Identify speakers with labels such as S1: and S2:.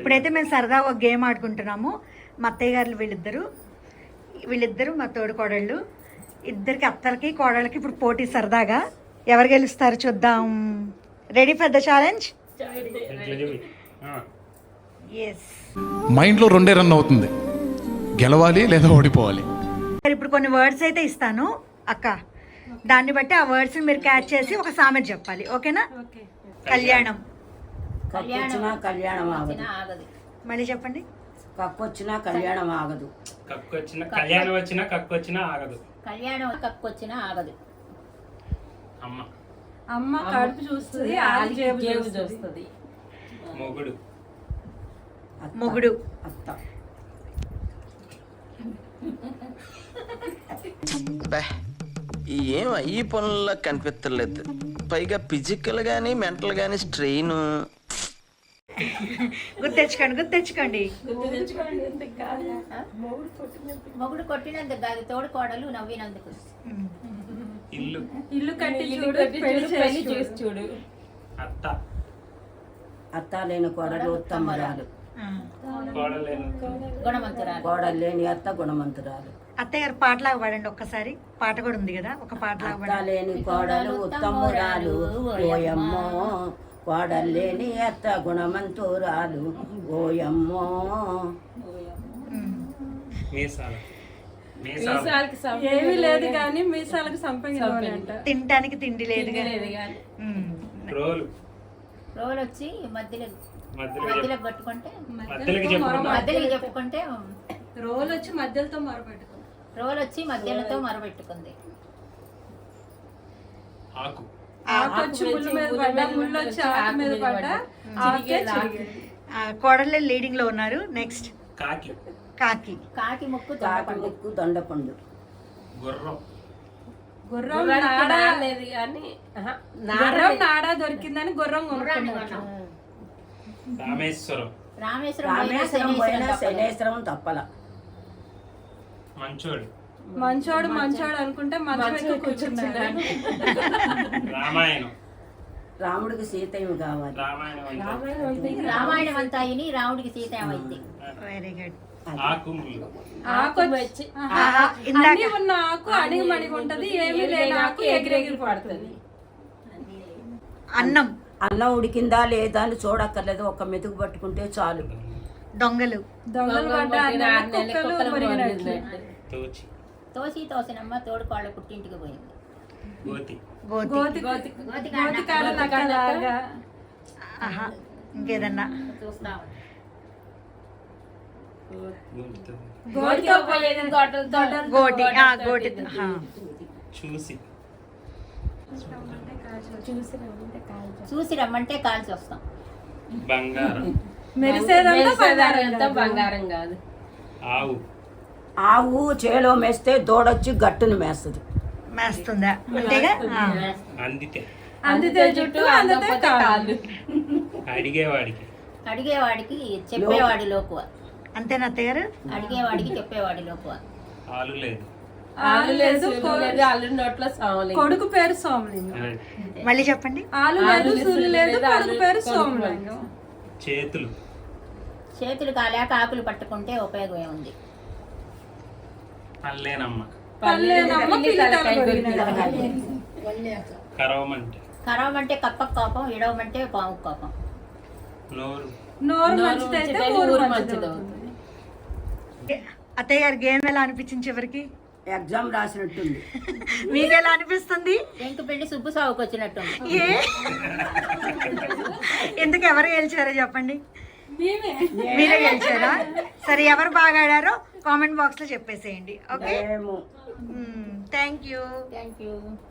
S1: ఇప్పుడైతే మేము సరదాగా ఒక గేమ్ ఆడుకుంటున్నాము. మా అత్తయ్య గారు వీళ్ళిద్దరు మా తోడు కోడళ్ళు, ఇద్దరికి అత్తలకి కోడళ్ళకి ఇప్పుడు పోటీ సరదాగా. ఎవరు గెలుస్తారు చూద్దాం. Ready for the challenge? Yes.
S2: మైండ్లో రెండే రన్ అవుతుంది, గెలవాలి లేదా ఓడిపోవాలి.
S1: ఇప్పుడు కొన్ని వర్డ్స్ అయితే ఇస్తాను అక్క, దాన్ని బట్టి ఆ వర్డ్స్ మీరు క్యాచ్ చేసి ఒక సామెత చెప్పాలి. ఓకేనా? కళ్యాణం.
S3: కళ్యాణం ఆగదు.
S1: మళ్ళీ చెప్పండి.
S3: కక్కొచ్చినా కళ్యాణం ఆగదు.
S4: కళ్యాణం వచ్చినా కక్కొచ్చినా ఆగదు.
S5: కళ్యాణం కక్కొచ్చినా ఆగదు.
S6: అమ్మ కడుపు చూస్తుంది, ఆది జేబు చూస్తుంది.
S1: మొగుడు.
S3: అత్త.
S7: ఏం ఈ పనుల్లో కనిపించలేదు, పైగా ఫిజికల్ గానీ మెంటల్ గానీ స్ట్రెయిన్.
S1: గుర్తెచ్చుకోండి.
S5: మొగుడు కొట్టినందుకు కాదు, తోడు కోడలు నవ్వినందుకు.
S6: ఇల్లు కట్టి చూడు, పెళ్లి చేసి చూడు.
S3: అత్త లేని కోడలు ఉత్తమరాలు,
S5: గుణవంతురాలు.
S3: కోడలు లేని అత్త గుణవంతురాలు.
S1: అత్తయ్య గారు పాటలాగా పాడండి ఒక్కసారి. పాట కూడా ఉంది కదా, ఒక పాటలాగా
S3: అత్త
S1: పాడండి.
S3: లేని కోడలు ఉత్తమురాలు ఓయమ్మో, కోడలు లేని అత్త గుణవంతురాలు ఓయమ్మో.
S6: ఏమీ లేదు కానీ మీసాలకు సంపంగి అంట.
S1: తినటానికి తిండి లేదు
S5: రోలు వచ్చి మధ్యలో పట్టుకుంటే చెప్పుకుంటే
S6: రోలు వచ్చి మధ్యలతో
S5: మరపెట్టుకుంది.
S6: ఆకొచ్చి ముళ్ళు మీద పడ్డా, ముళ్ళు వచ్చి ఆకు మీద పడ్డా,
S1: కోడళ్ళే లీడింగ్ లో ఉన్నారు. నెక్స్ట్ కాకి
S3: ముక్కు దొండపండు.
S6: గుర్రం నాడా దొరికిందని గుర్రం కొనుక్కున్నాడు.
S3: రామేశ్వరం పోయినా శనేశ్వరం తప్పల.
S6: మంచోడు అనుకుంటే మంచం ఎక్కువ కూర్చున్నాడు.
S3: రాముడికి సీత ఏమి కావాలి?
S5: రామాయణం అంతా అయిని రాముడికి సీత ఏమైంది?
S1: Very good.
S6: ఆకు వచ్చి అన్ని ఉన్న ఆకు అణిగి మణిగి ఉంటది, ఏమీ లేని ఆకు ఎగిరెగిరి పడుతుంది.
S3: అన్నం ఉడికిందా లేదా అని చూడక్కర్లేదు, ఒక మెతుకు పట్టుకుంటే చాలు.
S1: దొంగలు
S5: తోసినమ్మ తోడు కోళ్ళ పుట్టింటికి పోయింది.
S1: ఇంకేదన్నా గోటి.
S5: చూసి రమ్మంటే కాల్చి వస్తాం.
S6: మెరిసేదంతా బంగారం కాదు.
S3: ఆవు చేలో మేస్తే దూడొచ్చి గట్టును
S1: మేస్తుందా? అంతేగా.
S6: అందితే జుట్టు, అందితే కాళ్ళు.
S5: అడిగేవాడికి చెప్పేవాడి లోకువ.
S1: అంతేనా అత్తయ్య గారు?
S5: అడిగేవాడికి చెప్పేవాడి లోకువ.
S6: ఆలు లేదు, అల్లు నోట్లో సోమలింగం. కొడుకు పేరు సోమలింగం.
S1: మళ్ళీ చెప్పండి.
S6: ఆలు లేదు, సులు లేదు, కొడుకు పేరు సోమలింగం.
S5: చేతులు కాలేక ఆకులు పట్టుకుంటే ఉపయోగం ఏముంది? కరవమంటే కప్పకు కోపం, ఇడవమంటే పాము కోపం.
S6: నోరు మంచిదైతే ఊరు మంచిదవుతుంది.
S1: అత్తయ్య గారు గేమ్ ఎలా అనిపించింది చివరికి?
S3: ఎగ్జామ్ రాసినట్టుంది.
S1: మీకు ఎలా అనిపిస్తుంది?
S5: వెంకు పెళ్లి సుబ్బు సాగుకు వచ్చినట్టు.
S1: ఎందుకు ఎవరు గెలిచారో చెప్పండి. మీరే గెలిచారా? సరే, ఎవరు బాగా ఆడారో కామెంట్ బాక్స్ లో చెప్పేసేయండి. Okay, thank you.